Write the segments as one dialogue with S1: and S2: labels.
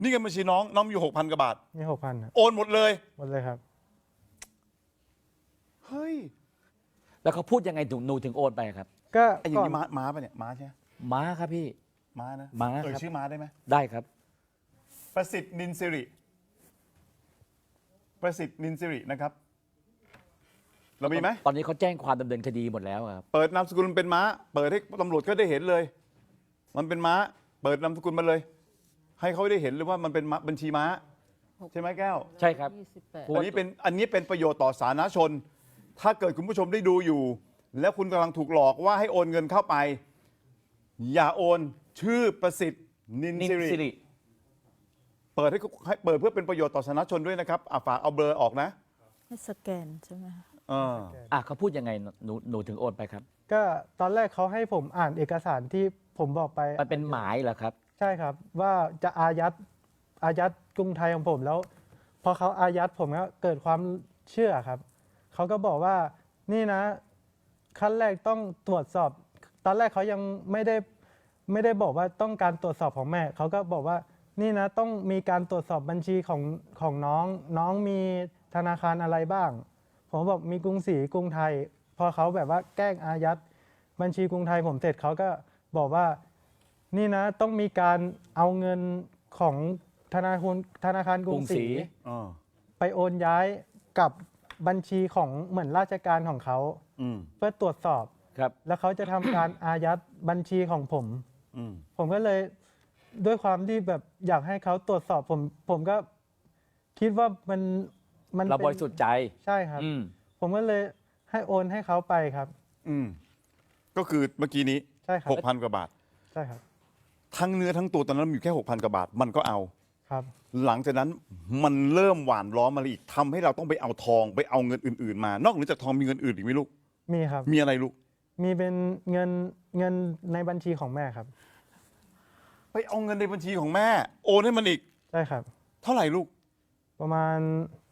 S1: นี่เงินบัญชีน้องมีอยู่6,000 กว่าบาท
S2: มี6,000ครับ
S1: โอนหมดเลย
S2: ครับ
S1: เฮ้ย
S3: แล้วเขาพูดยังไงหนูถึงโอนไปครับ
S2: ก็
S1: ไอ้อย่างนี้ม้าปะเนี่ยม้าใช่ไหม
S3: ม้าครับพี่
S1: ม้านะ
S3: ม้าครับ
S1: ชื่อม้าได้ไหม
S3: ได้ครับ
S1: ประสิทธิ์นินสิรินะครับเรามีไหม
S3: ตอนนี้เขาแจ้งความดำเนินคดีหมดแล้วครับ
S1: เปิดนามสกุลเป็นม้าเปิดให้ตำรวจก็ได้เห็นเลย มันเป็นม้าเปิดนามสกุลมาเลย ให้เขาได้เห็นเลยว่ามันเป็นบัญชีม้าใช่ไหมแก้ว
S3: ใช่ครับ
S1: อันนี้เป็นประโยชน์ต่อสาธารณชน ถ้าเกิดคุณผู้ชมได้ดูอยู่ แล้วคุณกำลังถูกหลอกว่าให้โอนเงินเข้าไป อย่าโอนชื่อประสิทธิ์นินสิริเปิดเปิดเพื่อเป็นประโยชน์ต่อสาธารณชนด้วยนะครับฝากเอาเบอร์ออกนะ
S4: ให้สแกนใช่ไหม
S3: เขาพูดยังไงหนูถึงโอนไปครับ
S2: ก็ตอนแรกเขาให้ผมอ่านเอกสารที่ผมบอกไป
S3: มันเป็นหมายเหรอครับ
S2: ใช่ครับว่าจะอายัดกรุงไทยของผมแล้วพอเขาอายัดผมก็เกิดความเชื่อครับเขาก็บอกว่านี่นะขั้นแรกต้องตรวจสอบตอนแรกเขายังไม่ได้บอกว่าต้องการตรวจสอบของแม่เขาก็บอกว่านี่นะต้องมีการตรวจสอบบัญชีของน้องมีธนาคารอะไรบ้างผมบอกมีกรุงศรีกรุงไทยพอเขาแบบว่าแกล้งอายัดบัญชีกรุงไทยผมเสร็จเขาก็บอกว่านี่นะต้องมีการเอาเงินของธนาคารกรุงศรีไปโอนย้ายกับบัญชีของเหมือนราชการของเขาเพื่อตรวจสอบแล้วเขาจะทำการอายัดบัญชีของผมก็เลยด้วยความที่แบบอยากให้เขาตรวจสอบผมก็คิดว่ามัน
S3: เราบริสุทธิ์ใจ
S2: ใช่ครับผมก็เลยให้โอนให้เขาไปครับ
S1: ก็คือเมื่อกี้นี้
S2: ใช่ครับ
S1: 6,000 กว่าบาท
S2: ใช่ครับ
S1: ทั้งเนื้อทั้งตัวตอนนั้นมีแค่6,000 กว่าบาทมันก็เอา
S2: ครับ
S1: หลังจากนั้นมันเริ่มหวานล้อมมาอีกทำให้เราต้องไปเอาทองไปเอาเงินอื่นๆมานอกเหนือจากทองมีเงินอื่นอีกไหมลูก
S2: มีครับ
S1: มีอะไรลูก
S2: มีเป็นเงินในบัญชีของแม่ครับ
S1: ไปเอาเงินในบัญชีของแม่โอนให้มันอีก
S2: ใช่ครับ
S1: เท่าไหร่ลูก
S2: ประมาณ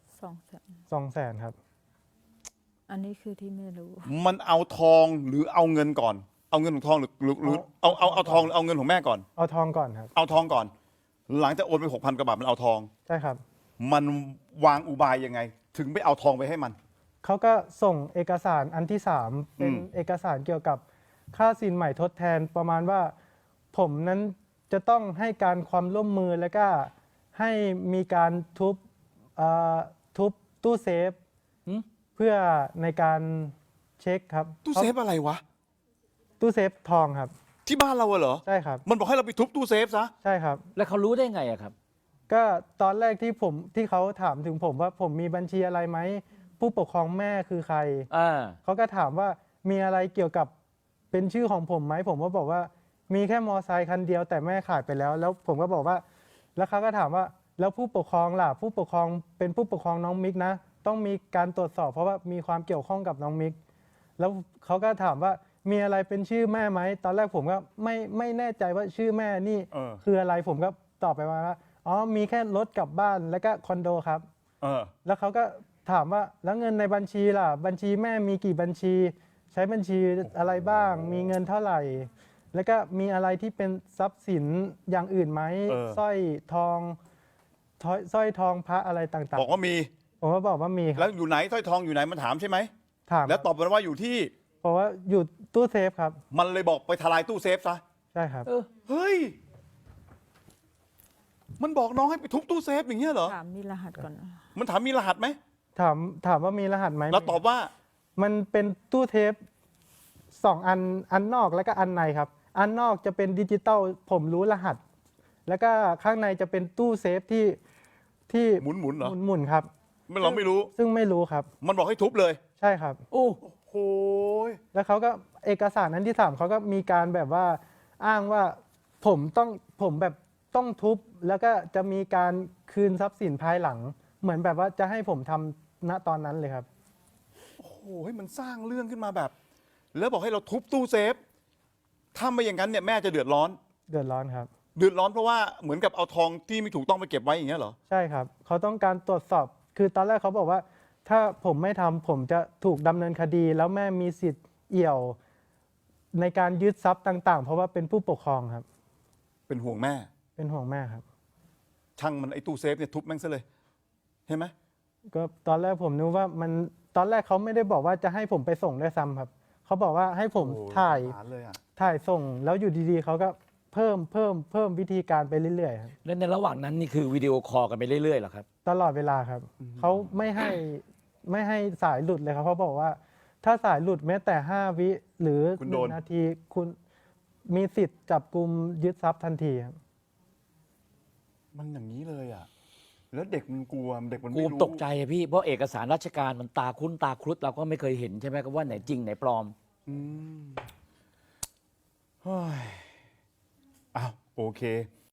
S4: 200,000
S2: ครับ
S4: อันนี้คือที่ไม่รู้
S1: มันเอาทองหรือเอาเงินก่อนเอาเงินของทองหรือเอาทองหรือเอาเงินของแม่ก่อน
S2: เอาทองก่อนครับ
S1: เอาทองก่อนหลังจากโอนไป6,000 กว่าบาทมันเอาทอง
S2: ใช่ครับ
S1: มันวางอุบายยังไงถึงไปเอาทองไปให้มัน
S2: เขาก็ส่งเอกสารอันที่3เป็นเอกสารเกี่ยวกับค่าสินใหม่ทดแทนประมาณว่าผมนั้นจะต้องให้การความร่วมมือแล้วก็ให้มีการทุบตู้เซฟเพื่อในการเช็คครับ
S1: ตู้เซฟอะไรวะ
S2: ตู้เซฟทองครับ
S1: ที่บ้านเราเหรอ
S2: ใช่ครับ
S1: มันบอกให้เราไปทุบตู้เซฟซะ
S2: ใช่ครับ
S3: แล้วเขารู้ได้ไงอะครับ
S2: ก็ตอนแรกที่เขาถามถึงผมว่าผมมีบัญชีอะไรไหมผู้ปกครองแม่คือใครเขาก็ถามว่ามีอะไรเกี่ยวกับเป็นชื่อของผมไหมผมก็บอกว่ามีแค่มอไซค์คันเดียวแต่แม่ขายไปแล้วแล้วผมก็บอกว่าแล้วเขาก็ถามว่าแล้วผู้ปกครองล่ะผู้ปกครองเป็นผู้ปกครองน้องมิกนะต้องมีการตรวจสอบเพราะว่ามีความเกี่ยวข้องกับน้องมิกแล้วเขาก็ถามว่ามีอะไรเป็นชื่อแม่ไหมตอนแรกผมก็ไม่แน่ใจว่าชื่อแม่นี่คืออะไรผมก็ตอบไปว่าอ๋อมีแค่รถกลับบ้านแล้วก็คอนโดครับแล้วเขาก็ถามว่าแล้วเงินในบัญชีล่ะบัญชีแม่มีกี่บัญชีใช้บัญชีอะไรบ้างมีเงินเท่าไหร่แล้วก็มีอะไรที่เป็นทรัพย์สินอย่างอื่นไหมสร้อยทองพระอะไรต่างๆ
S1: บอกว่ามี
S2: ผมก็บอกว่ามี
S1: แล้วอยู่ไหนสร้อยทองอยู่ไหนมันถามใช่ไหม
S2: ถาม
S1: แล้วตอบมาว่าอยู่ที่
S2: บอกว่าอยู่ตู้เซฟครับ
S1: มันเลยบอกไปทลายตู้เซฟซะ
S2: ใช่ครับ
S1: เฮ้ยมันบอกน้องให้ไปทุบตู้เซฟอย่างเงี้ยเหรอ
S4: ถามมีรหัสก่อน
S1: มันถามมีรหัสไหม
S2: ถามว่ามีรหัสไหม
S1: แล้วตอบว่า
S2: มันเป็นตู้เทป2อันนอกแล้วก็อันในครับอันนอกจะเป็นดิจิตอลผมรู้รหัสแล้วก็ข้างในจะเป็นตู้เซฟที่
S1: หมุนเหรอ
S2: หมุนครับ
S1: เราไม่รู้
S2: ซึ่งไม่รู้ครับ
S1: มันบอกให้ทุบเลย
S2: ใช่ครับ
S1: โอ้โห
S2: แล้วเขาก็เอกสารนั้นที่3เขาก็มีการแบบว่าอ้างว่าผมแบบต้องทุบแล้วก็จะมีการคืนทรัพย์สินภายหลังเหมือนแบบว่าจะให้ผมทำณตอนนั้นเลยครับ
S1: โอ้โหมันสร้างเรื่องขึ้นมาแบบแล้วบอกให้เราทุบตู้เซฟถ้าไม่อย่างนั้นเนี่ยแม่จะเดือดร้อน
S2: ครับ
S1: เดือดร้อนเพราะว่าเหมือนกับเอาทองที่ไม่ถูกต้องไปเก็บไว้อย่างเงี้ยเหรอ
S2: ใช่ครับเขาต้องการตรวจสอบคือตอนแรกเขาบอกว่าถ้าผมไม่ทำผมจะถูกดำเนินคดีแล้วแม่มีสิทธิ์เอี่ยวในการยึดทรัพย์ต่างๆเพราะว่าเป็นผู้ปกครองครับ
S1: เป็นห่วงแม่
S2: ครับ
S1: ช่างมันไอ้ตู้เซฟเนี่ยทุบแม่งซะเลยเห็นไหม
S2: ก็ตอนแรกผมนึกว่ามันตอนแรกเขาไม่ได้บอกว่าจะให้ผมไปส่งด้วยซ้ำครับเขาบอกว่าให้ผม
S1: โอ้โห
S2: ถ่าย
S1: สงสารเลยอ่ะ
S2: ถ่ายส่งแล้วอยู่ดีๆเขาก็เพิ่มวิธีการไปเรื่อยๆครับ
S3: แล้วในระหว่างนั้นนี่คือวิดีโอคอลกันไปเรื่อยๆเหรอครับ
S2: ตลอดเวลาครับเขาไม่ให้สายหลุดเลยครับเขาบอกว่า ถ้าสายหลุดแม้แต่5 วิหรือ
S1: คุณโดน
S2: 1 นาทีคุณมีสิทธิ์จับกุมยึดทรัพย์ทันทีครับ
S1: มันอย่างนี้เลยอ่ะแล้วเด็กมันกลัวเด็กมัน
S3: กู
S1: ไม่รู้
S3: ตกใจอะพี่เพราะเอกสารราชการมันตาคุ้นตาครุฑเราก็ไม่เคยเห็นใช่ไหมครับว่าไหนจริงไหนปลอม
S1: อืมเฮ้ยอ้าวโอเค